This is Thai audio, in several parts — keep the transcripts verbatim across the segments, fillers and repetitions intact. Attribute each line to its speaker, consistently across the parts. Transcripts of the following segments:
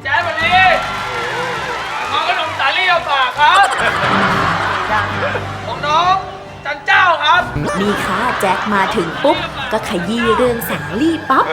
Speaker 1: แจ๊ดวันนี้น้องขนมสาลี่เอาฝากครับของน้องจันเจ้าครับ
Speaker 2: นี่ค่ะแจ็คมาถึงปุ๊บก็ขยี้เรื่องสาลี่ปั๊บ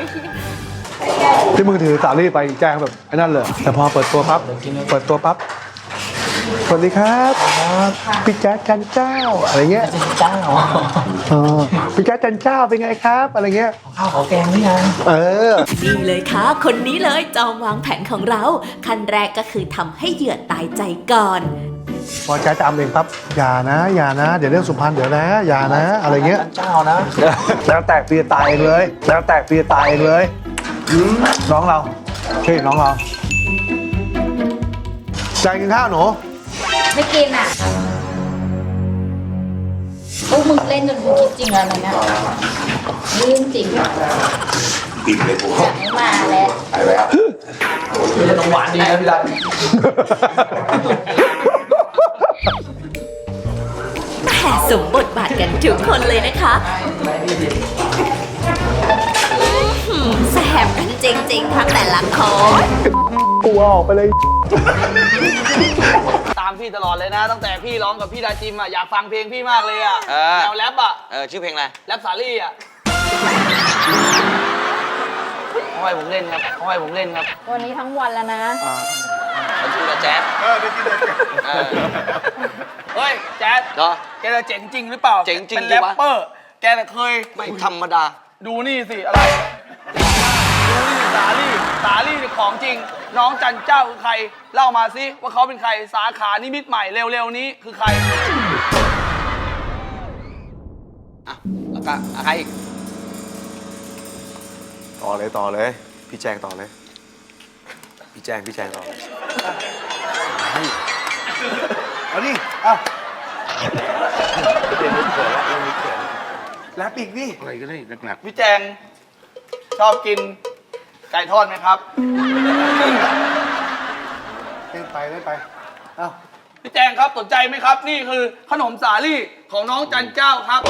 Speaker 3: ที่มึงถือสาลี่ไปแจ้งแบบไอ้นั่นเลยแต่พอเปิดตัวปั๊บเปิดตัวปั๊บสวัสดีครับพี่แจ๊คจันเจ้าอะไรเงี้ยจันเจ้าอ๋อพี่แจ๊คจันเจ้าเป็นไงครับอะไรเงี้ย
Speaker 4: ข้าวขอแกงหรือยัง
Speaker 3: เออ
Speaker 2: นี่เลยค่ะคนนี้เลยจอมวางแผนของเราขั้นแรกก็คือทำให้เหยื่อตายใจก่อน
Speaker 3: พอแจ๊คจะอำเองปั๊บอย่านะอย่านะเดี๋ยวเรื่องสุพรรณเดี๋ยวนะอย่านะอะไรเงี้ย
Speaker 4: จันเจ้านะ
Speaker 3: แล้วแตกปีตายเองเลยแล้วแตกปีตายเองเลยน้องเราใช่น้องเราใจกินข้าวหนู
Speaker 5: ไม่กินอ่ะพวกมึงเล่นจนกูคิดจริงแล้วนะเนี่ยเรื่องจริงปิดเลยกูอยากให้มาแล้วไปแล้ว
Speaker 4: นี่จะต้องหวานดีนะพี่รัน
Speaker 2: แหมสมบทบาทกันทุกคนเลยนะคะแสบกันจริงๆทั้งแต่ละคน
Speaker 3: กูออกไปเลย
Speaker 1: ตามพี่ตลอดเลยนะตั้งแต่พี่ร้องกับพี่ดาจิมอ่ะอยากฟังเพลงพี่มากเลยอ่ะแนวแรปอ่ะ
Speaker 6: เออชื่อเพลงอะไร
Speaker 1: แรปสาลี่อ่ะเขาให้ผมเล่นครับเขาให้ผมเล่นครับ
Speaker 5: วันนี้ทั้งวันแล้วนะ
Speaker 6: เขาชื่อแจ๊ด
Speaker 3: เออได้กินเลย
Speaker 1: เฮ้ยแจ๊ด
Speaker 6: เหรอ
Speaker 1: แกจะเจ๋งจริงหรือเปล่า
Speaker 6: เจ๋งจริง
Speaker 1: เป็นแรปเปอร์แกน่ะเคย
Speaker 6: ไม่ธรรมดา
Speaker 1: ดูนี่สิอะไรดูนี่สาลี่สาลี่ของจริงน้องจันเจ้าคือใครเล่ามาสิว่าเขาเป็นใครสาขานิมิตใหม่เร็วๆนี้คือใคร
Speaker 6: อ่ะแล้วก็ใครอีก
Speaker 3: ต่อเลยต่อเลยพี่แจงต่อเลยพี่แจงพี่แจงต่อเลยเอาดิเอาเรียนรู้เขินแล้วเรียนรู้เขินแล้วปีกนี่อะไรก็ได้หนัก
Speaker 1: ๆพี่แจงชอบกินไก่ทอดไหมครับ
Speaker 3: เล่นไปเล่นไปเอ้า
Speaker 1: พี่แจงครับสนใจไหมครับนี่คือขนมสาลี่ของน้องจันเจ้าครับ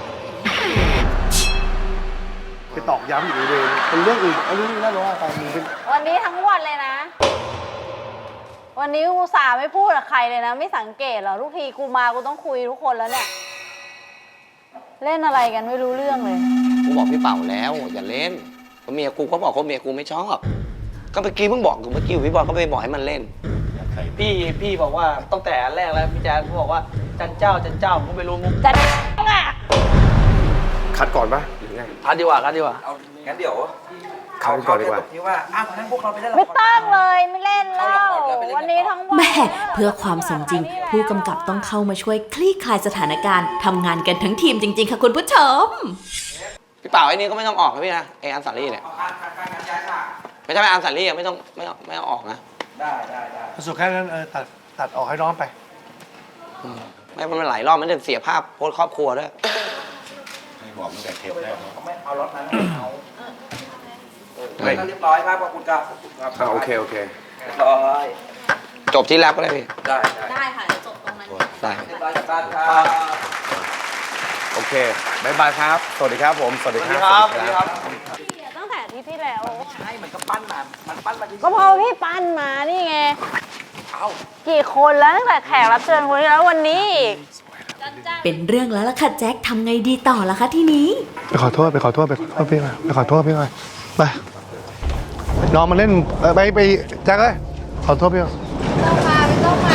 Speaker 3: ไปตอกย้ำอยู่เลยเป็นเรื่องอื่นเอาเรื่องนี้น่ารู้ว่าไปมึงเป็น
Speaker 5: วันนี้ทั้งวันเลยนะวันนี้กูสาไม่พูดกับใครเลยนะไม่สังเกตหรอทุกทีกูมากูต้องคุยทุกคนแล้วเนี่ยเล่นอะไรกันไม่รู้เรื่องเลย
Speaker 6: กูบอกพี่เป่าแล้วอย่าเล่นเพราะเมียกูเขาบอกเขาเมียกูไม่ชอบก็เมื่อกี้เพิ่งบอกกูเมื่อกี้พี่บอลก็ไปบอกให้มันเล่น
Speaker 1: พี่พี่บอกว่าตั้งแต่แรกแล้วพี่แจ๊คเขาบอกว่าจันเจ้าจันเจ้าผมไม่รู้มุก
Speaker 5: จันอ่ะ
Speaker 3: คัดก่อนปะหรือไง
Speaker 1: คัดดีกว่าคัดดีกว่า
Speaker 6: เอางั้นเดี๋ยว
Speaker 3: คัดก่อนดีกว่า
Speaker 6: ที่ว่าอ้าวงั้นพวกเราไปเล่น
Speaker 5: ไม่ต้องเลยไม่เล่นแล้ววันนี้ทั้งวัน
Speaker 2: แม่เพื่อความสมจริงผู้กำกับต้องเข้ามาช่วยคลี่คลายสถานการณ์ทำงานกันทั้งทีมจริงๆค่ะคุณผู้ชม
Speaker 6: พี่เป่าไอ้นี่ก็ไม่ต้องออกนะพี่นะไอ้อันสาลี่เนี่ยไม่ใช่ไอ้อันสาลี่ไม่ต้องไม่ต้องไม่ต้องออกนะ
Speaker 3: ได้ได้ได้สุดแค่นั้นเออตัดตัดออกให้น้องไป
Speaker 6: ไม่มันหลายรอบมันจะเสียภาพโพสครอบครัวด้วย
Speaker 3: ให้บอกตั้งแต่เทปแรก
Speaker 6: ไม่เอารถนั้นเอาเรียบร้อยครับขอบคุณครับ
Speaker 3: โอเคโอเค
Speaker 6: เรียบร้อยจบที่แรปก็ได้พี่
Speaker 5: ได้ได้ค่ะจบตรงนั้น
Speaker 6: ได้
Speaker 5: เรีย
Speaker 6: บร้อยจากบ้าน
Speaker 3: ครับโอเคบายบายครับสวัสดีครับผมสวัสดี
Speaker 1: ครับสวัสดีครับ
Speaker 5: ตั้งแต่ที่ที่แล้ว
Speaker 6: ใช่มันก็ปั้นมามันปั้นมา
Speaker 5: ก็พอพี่ปั้นมานี่ไงเอากี่คนแล้วตั้งแต่แขกรับเชิญคนนี้แล้ววันนี้อีก
Speaker 2: เป็นเรื่องแล้วล่ะค่ะแจ็คทำไงดีต่อล่ะคะทีนี้
Speaker 3: ไปขอโทษไปขอโทษไปขอโทษพี่มาไปขอโทษพี่มาไปน้องมาเล่นไปไปแจ็คเลยขอโทษพี่มา
Speaker 5: ต้องมาไม่ต้องมา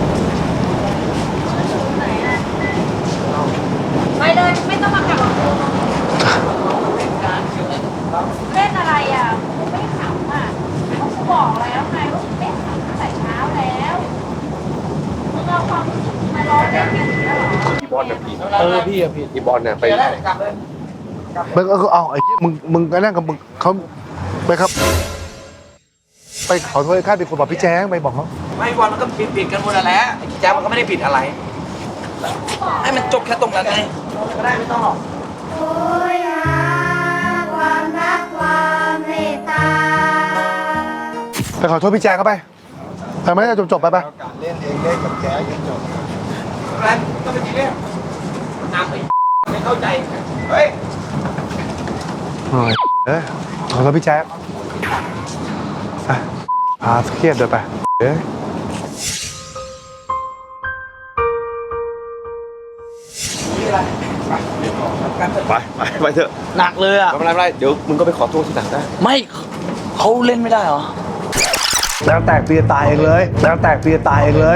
Speaker 5: ไปเลยไม่ต้องมาขับรถเล่นอะไรอ่ะกูไม่ขำอ่ะกูบอกแล้วไงว่ากูไม่ขำตั้งแต่เช้าแล้วมึงเอาความมาล้อเล่นกันอีกแล้วเหรอ
Speaker 3: พี่บอลเนี่ยผิด
Speaker 1: เออพี่อะผิด
Speaker 3: พี่บอลเนี่ยไปมึงก็เอาไอ้มึงมึงก็นั่งกับมึงเขาไปครับไปขอโทษข้าเป็นคนบอกพี่แจ้งไปบอกเขา
Speaker 6: ไม่บอลมันก็ผิดผิดกันหมดแล้วแจ๊บมันก็ไม่ได้ผิดอะไรให้มันจบแค่ตรงนั้นไง
Speaker 1: ก็ได้ไม่ต้องหรอก
Speaker 5: โอ้ยความรักความเมตตา
Speaker 3: ไปขอโทษพี่แจ้งเขาไปไปไม่ได้จบจบไปไป
Speaker 4: การเล่นเองเล่นกับแจ๊ยังจบ
Speaker 1: อะไรก็เป็นทีเรื่องน้ำไปไม่เข้าใจเฮ้ย
Speaker 3: เฮ้ยขอโทษพี่แจ๊คไปพาเครียดเลยไปเอ้ย
Speaker 7: ไปไปไปเถอะ
Speaker 1: หนักเลยอ่ะ
Speaker 7: ไม่เป็นไรไม่เป็นไรเดี๋ยวมึงก็ไปขอโทษที่ต่างได้
Speaker 1: ไม่เขาเล่นไม่ได้เหรอ
Speaker 3: แล้วแตกปีจะตายเองเลยแล้วแตกปีจะตายเองเลย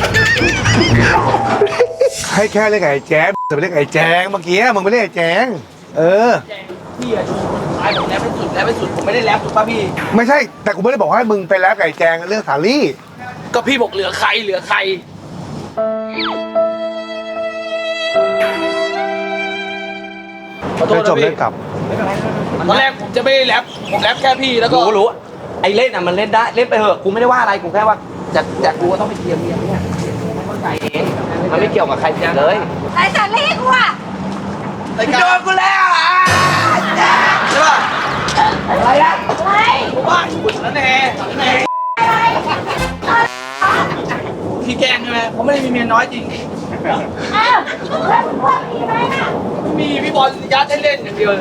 Speaker 3: ให้แค่เรียกไอ้แจ๊บจะไปเรียกไอ้แจงเมื่อกี้มึงไม่เรียกไอ้แจงเออ
Speaker 1: พี่อะตายผมแรปไปสุดแรปไปสุดผมไม่ได้แรปถูกป่ะพี่
Speaker 3: ไม่ใช่แต่กูไม่ได้บอกให้มึงไปแล้วกับไอ้แจงเรื่องสาลี่
Speaker 1: ก็พี่บอกเหลือใครเหลือใครขอโท
Speaker 3: ไป
Speaker 1: ษ
Speaker 3: จ
Speaker 1: นะ
Speaker 3: บเรื่
Speaker 1: พี่
Speaker 3: องกลับ
Speaker 1: ตอนแรกผมจะไม่ได้แรปผมแรปแค่พี่แล้วก็
Speaker 6: รู้รู้ไอ้เล่นอ่ะมันเล่นได้เล่นไปเถอะกูไม่ได้ว่าอะไรกูแค่ว่าจะจะกูก็ต้องไปเคลียร์เมียเนี่ยไม่เข้าใจเองมันไม่เกี่ยวกับใครเลย
Speaker 5: ไอ้สาลี่กูอะ
Speaker 1: รายการโดนกูแล้วอ่ะใช่ป่ะ
Speaker 5: อะไรอะอะไร
Speaker 1: ผมว่าอยู่นั่นแน่แน่พี่แกล้งใช่ไหมผมไม่ได้มีเมียน้อยจริง
Speaker 5: อ้าวแล้วมึงว่ามีไหมอะ
Speaker 1: ไม่มีพี่บอลยัดให้เล่นอย่างเดียวเลย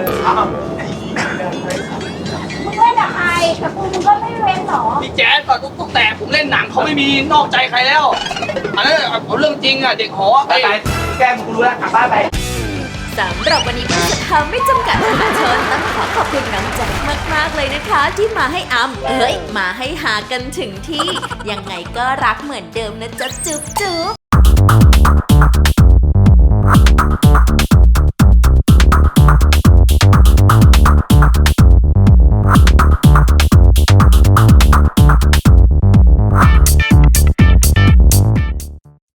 Speaker 5: มึงเล่นกับใครกับกูมึงก็ไม่เว้นหรอ
Speaker 1: พี่แจ๊สกับตุ๊กตุ๊กแต่ผมเล่นหนังเขาไม่มีนอกใจใครแล้วอันนั้นเอาเรื่องจริงอ่ะเด็กหอ
Speaker 6: ไปไปแกล้งกูรู้แล้วกลับบ้านไป
Speaker 2: สำหรับวันนี้ผู้จะทำไม่จำกัดมหาชนต้องขอขอบคุณน้องแจ็คมากๆเลยนะคะ ที่มาให้อัมเอ้ยมาให้หากันถึงที่ ยังไงก็รักเหมือนเดิมนะจ๊ะจุ๊บจุ๊บ